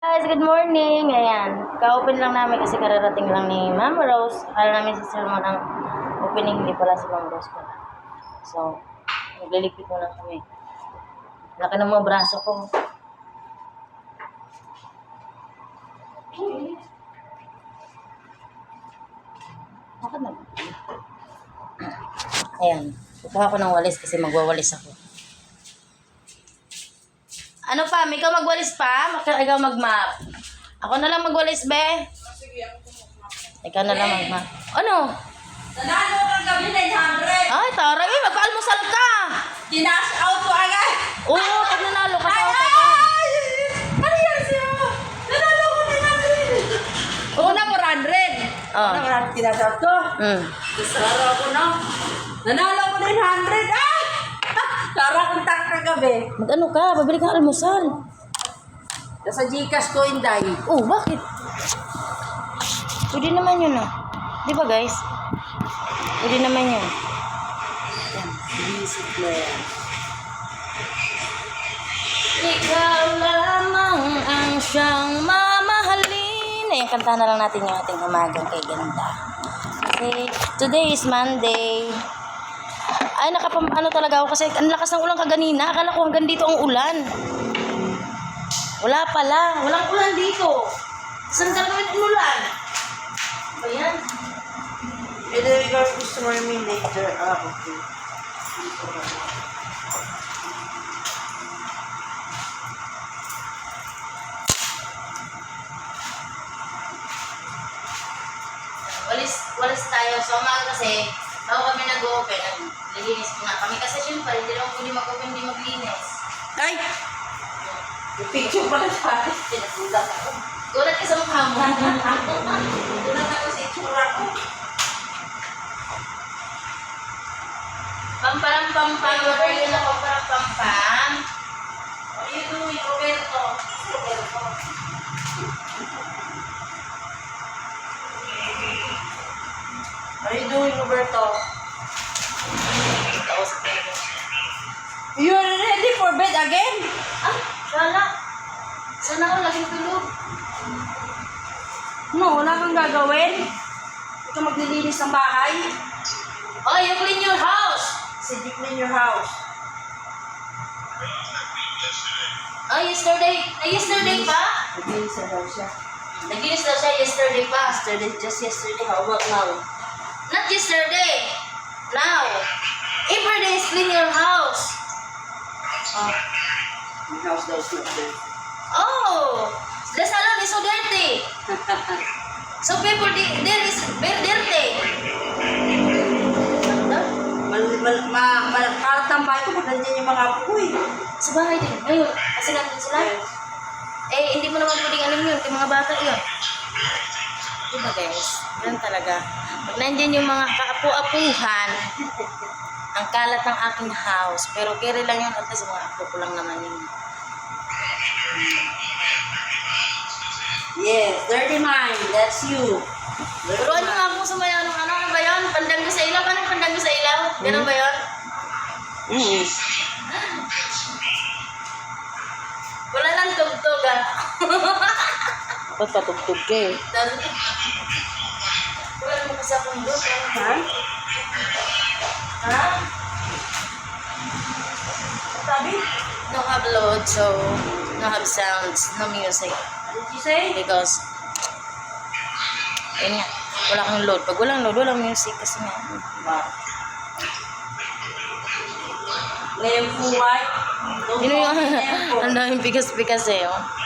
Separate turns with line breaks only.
Guys, good morning. Ayan, ka-open lang namin kasi kararating lang ni Mama Rose. Akala namin si Sir Mon ang opening, hindi pala si Mama Rose pala. So, nagliligpit muna kami. Laki ng mga braso ko. Bakit na? Ayan, kukuha ko ng walis kasi magwawalis ako. Ano pa? Ikaw magwalis pa? Ikaw mag-map. Ako na lang magwalis, be. Ikaw na lang mag-map. Ano?
Nanalo kang gabi 900.
Ay, taray. Magpa-almusal ka.
Dinash out ko agad.
Oo, pag nanalo ka sa
Ay! Ano yan siya? Nanalo ko 900. Una 400.
Oh.
Una 400 dinash out ko. Sara ako na. Nanalo ko 900. Ay! Sara akong tak kagabi.
Mag-ano ka? Babili kang almusal.
Nasa Gcash ko, Inday.
Oh, bakit? Pwede naman yun, ah. Di ba, guys? Pwede naman yun.
Yan, visit na yan.
Ikaw lamang ang siyang mamahalin. Ayan, kanta na lang natin yung ating umagang kay ganda. Okay, today is Monday. Ay, ano talaga ako kasi ang lakas ng ulan kaganina. Akala ko hanggang dito ang ulan. Wala pala. Walang ulan dito. Saan ka naman umulan? Ayan.
And then you're gusto mo namin later. Ah, okay.
Walis tayo. So, umaga kasi, bago kami nag-open, naglinis ko nga kami. Kasi syempre, hindi naman pwede mag-open, hindi maglinis.
Ay! Yung picture pala sa akin. Pinagulat ako.
Gulat ka sa mukha mo.
Gulat ako sa itsura ko.
Pamparam-pampam. What are you na pamparam-pampam? What are you doing, Roberto? Roberto.
What are you doing, Roberto?
Tapos,
You're ready for bed again?
ah, sana. Sana ako laging tulog.
No, wala kang gagawin. Ikaw maglilinis ng bahay.
Oh, you clean your house.
Said you clean your house.
Oh, yesterday pa?
Naglinis na daw siya.
Naglinis daw siya yesterday pa.
Just yesterday. How about now?
Not yesterday. Now. Every day is clean your house. Oh.
My house daw is not dirty.
Oh, the salon is so dirty. So people there is very dirty.
Makatambay ko pag nandiyan yung mga apo ko eh.
Sa bahay din. Ngayon, kasi nandun sila. Eh, hindi mo naman pwedeng alam yun. Yung mga bata yun. Diba guys? Ganun talaga. Pag nandyan yung mga kaapu-apuhan, ang kalat ng aking house. Pero kere lang yun. At least mga apo ko lang naman yun.
Yes, dirty mind. That's you.
Pero ano nga kung sumayaw ng ano ba yun? Pandango sa ilaw? Anong pandango sa ilaw? Ganun ba yun? Wala lang tugtog ah.
Ba't patugtog ka eh?
Wala mo kasi akong doon.
Ha?
Ha?
Sabi?
No have load, so no have sounds, no music.
What did you say?
Because, yun nga, wala kang load. Pag walang load, walang music kasi nga.
Ba? Lempo white.
Yun yung, ang daming pikas-pikas eh, oh.